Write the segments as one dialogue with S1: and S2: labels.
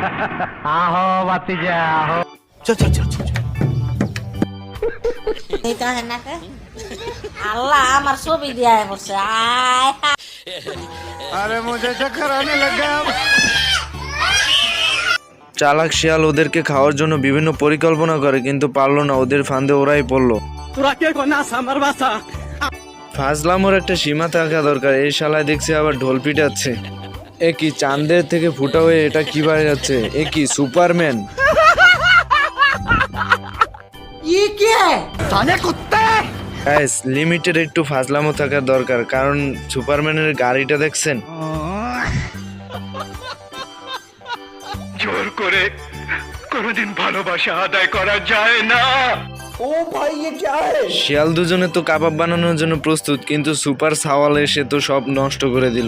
S1: আহো বাতিজা আহো।
S2: চল চল চল চল।
S3: আল্লাহ আমার ছবি দিয়া পড়ছে।
S1: আরে মুঝে চক্কর আনে লাগা।
S4: চালাক শিয়াল ওদেরকে খাওয়ার জন্য বিভিন্ন পরিকল্পনা করে, কিন্তু পারলো না, ওদের ফাঁদে ওরাই পড়লো।
S2: তোরা কে কোনাস আমার বাসা?
S4: ফাজলামোর একটা সীমা থাকা দরকার। এই শালায় দেখছি আবার ঢোল পিটাচ্ছে। এ কি চাঁদের থেকে ফুটা হয়ে এটা কি বাইরে যাচ্ছে? এ কি সুপারম্যান? গাইস, লিমিটেড একটু ফাজলামো থাকা দরকার, কারণ সুপারম্যানের গাড়িটা দেখছেন?
S1: জোর করে কোনোদিন ভালোবাসা আদায় করা যায় না।
S4: শিয়াল দুজনে তো কাবাব বানানোর জন্য প্রস্তুত, কিন্তু সুপার সাওয়াল এসে তো সব নষ্ট করে দিল।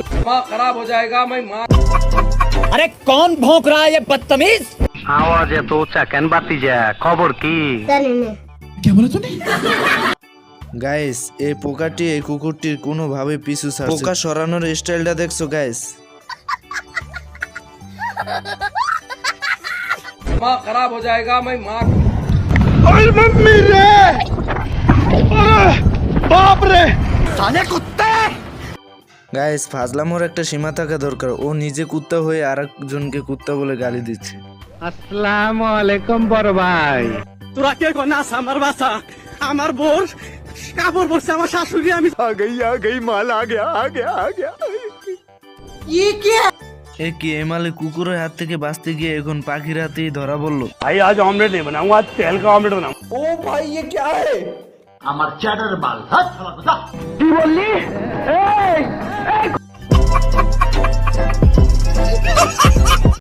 S2: আরে কোন ভौंक रहा है ये बदतमीज?
S1: আওয়াজ এত উঁচা কেন বাতিজা? খবর কি?
S4: গাইস, এই পোকাটি এই কুকুরটির কোনোভাবে পিছু ছাড়ছে। পোকা সরানোর স্টাইলটা দেখছো গাইস?
S2: दिमाग खराब हो जाएगा मैं माँ।
S1: ওই মাম্মি রে, বাপ রে, সালে কুত্তে।
S4: গাইস, ফাজলামোর একটা সীমা থাকা দরকার। ও নিজে কুত্তা হয়ে আরেকজনকে কুত্তা বলে গালি দিচ্ছে।
S1: আসসালামু আলাইকুম বড় ভাই।
S2: তোরা কে কোনাস আমার বাসা? আমার বোর কাপড় পরছে আমার শাশুড়ি। আমি
S1: आ गई माल आ गया।
S4: এ কি এমালে কুকুরের হাত থেকে বাঁচতে গিয়ে এখন পাখির হাতেই ধরা পড়লো।
S1: भाई आज ऑमलेट नहीं बनाऊंगा, आज तेल का ऑमलेट बनाऊंगा।
S2: ও ভাই ये क्या है?
S1: আমার চ্যাটার বাল। কি বললি? এই